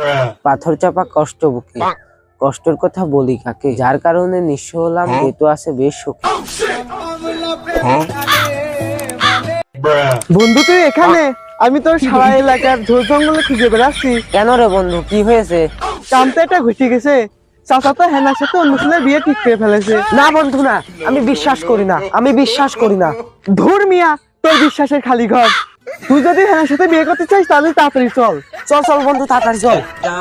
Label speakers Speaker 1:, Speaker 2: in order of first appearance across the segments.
Speaker 1: পাথর চাপা কষ্ট বুকে, কষ্টের কথা বলি কাকে, যার কারণে নিঃস্ব হলাম বেতো আছে বেশ সুখে।
Speaker 2: বন্ধু তুই এখানে? আমি তোর সারা এলাকার ঝোল জঙ্গলে খুঁজে বেড়াচ্ছি।
Speaker 1: কেন রে বন্ধু, কি হয়েছে?
Speaker 2: কামটা এটা ঘটে গেছে, চাচা তো হেনার সাথে অন্য ছেলে বিয়ে ঠিক করে ফেলেছে।
Speaker 1: না বন্ধু না, আমি বিশ্বাস করি না, আমি বিশ্বাস করি না।
Speaker 2: ধুর মিয়া, তোর বিশ্বাসের খালি ঘর। তুই যদি হেনার সাথে বিয়ে করতে চাস তাহলে তাড়াতাড়ি চল।
Speaker 1: চল চল বন্ধু, তাড়াতাড়ি চল।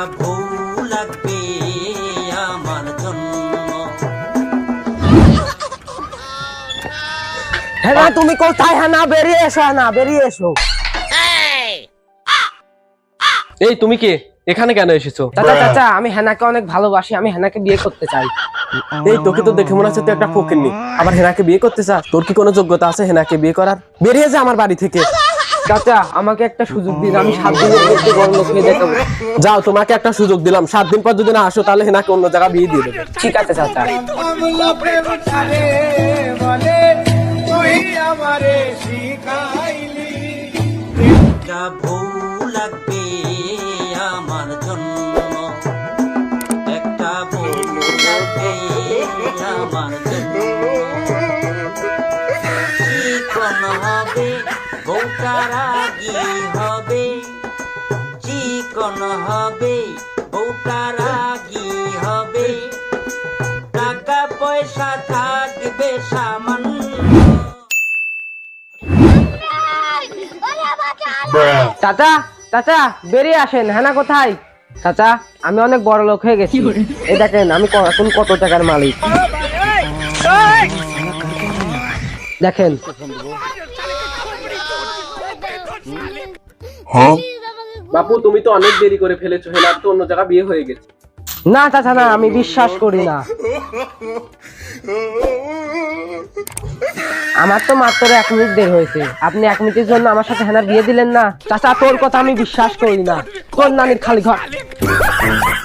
Speaker 1: হ্যাঁ না, তুমি কোথায়? হ্যাঁ না, বেরিয়ে এসো, হ্যাঁ না বেরিয়ে এসো।
Speaker 3: এই তুমি কে? এখানে কেন এসেছো?
Speaker 1: চাচা চাচা, আমি হেনাকে অনেক ভালোবাসি, আমি হেনাকে বিয়ে করতে চাই।
Speaker 3: এই তোকে তো দেখে মনে হচ্ছে তুই একটা ফকিন্নি, আবার হেনাকে বিয়ে করতে চাস? তোর কি কোনো যোগ্যতা আছে হেনাকে বিয়ে করার? বেরিয়ে যা আমার বাড়ি থেকে।
Speaker 1: চাচা আমাকে একটা সুযোগ দিন, আমি 7 দিনের মধ্যে বড়লোক হয়ে দেখাবো।
Speaker 3: যাও, তোমাকে একটা সুযোগ দিলাম, 7 দিন পর যদি না আসো তাহলে হেনাকে অন্য জায়গায় বিয়ে দিয়ে দেবে।
Speaker 1: ঠিক আছে চাচা।
Speaker 4: চিকন হবে বউটা রাগী হবে, টাকা পয়সা থাকবে সামান্য।
Speaker 1: চাচা চাচা, বেরিয়ে আসেন, হেনা কোথায়? চাচা আমি অনেক বড় লোক হয়ে গেছি, এই দেখেন আমি এখন কত টাকার মালিক দেখেন।
Speaker 3: বাপু, তুমি তো অনেক দেরি করে ফেলেছো, হেনার তো অন্য জায়গায় বিয়ে হয়ে গেছে।
Speaker 1: না চাচা না, আমি বিশ্বাস করি না। আমার তো মাত্র 1 মিনিট দেরি হয়েছে, আপনি 1 মিনিটের জন্য আমার সাথে হেনার বিয়ে দিলেন না। চাচা তোর কথা আমি বিশ্বাস করি না, তোর নানির খালি ঘর।